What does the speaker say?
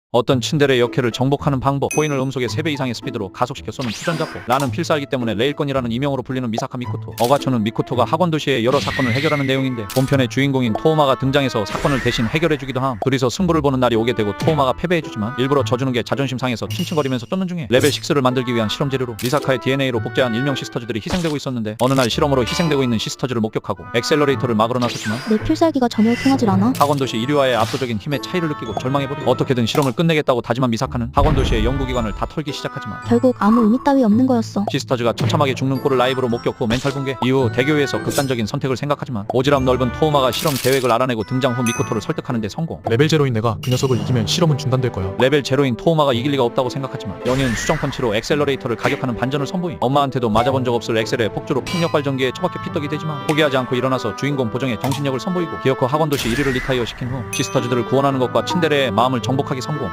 어떤 츤데레 역해를 정복하는 방법, 코인을 음속의 3배 이상의 스피드로 가속시켜 쏘는 투전자포, 나는 필살기 때문에 레일건이라는 이명으로 불리는 미사카 미코토. 어가초는 미코토가 학원 도시의 여러 사건을 해결하는 내용인데 본편의 주인공인 토우마가 등장해서 사건을 대신 해결해주기도 함. 둘이서 승부를 보는 날이 오게 되고 토우마가 패배해주지만 일부러 져주는 게 자존심 상해서 칭칭거리면서 쫓는 중에 레벨 6를 만들기 위한 실험 재료로 미사카의 DNA로 복제한 일명 시스터즈들이 희생되고 있었는데 어느 날 실험으로 희생되고 있는 시스터즈를 목격하고 액셀러레이터를 막으러 나섰지만 내 필살기가 전혀 통하질 않아. 학원도시 인류와의 압도적인 힘의 차이를 느끼고 절망해버리고 어떻게든 실험을 끝내겠다고 다짐한 미사카는 학원도시의 연구기관을 다 털기 시작하지만 결국 아무 의미 따위 없는 거였어. 시스터즈가 처참하게 죽는 꼴을 라이브로 목격 후 멘탈 붕괴 이후 대교 위에서 극단적인 선택을 생각하지만 오지랖 넓은 토우마가 실험 계획을 알아내고 등장 후 미코토를 설득하는 데 성공. 레벨 제로인 내가 그 녀석을 이기면 실험은 중단될 거야. 레벨 제로인 토우마가 이길 리가 없다고 생각하지만 연이은 수정펀치로 액셀러레이터를 가격하는 반전을 선보임. 엄마한테도 맞아본 적 없을 엑셀의 폭주로 풍력 발전기에 처박혀 피떡이 되지만 포기하지 않고 일어나서 주인공 보정의 정신력을 선보이고 기어코 학원도시 1위를 리타이어 시킨 후 시스터즈들을 구원하는 것과 츤데레의 마음을 정복하기 성공.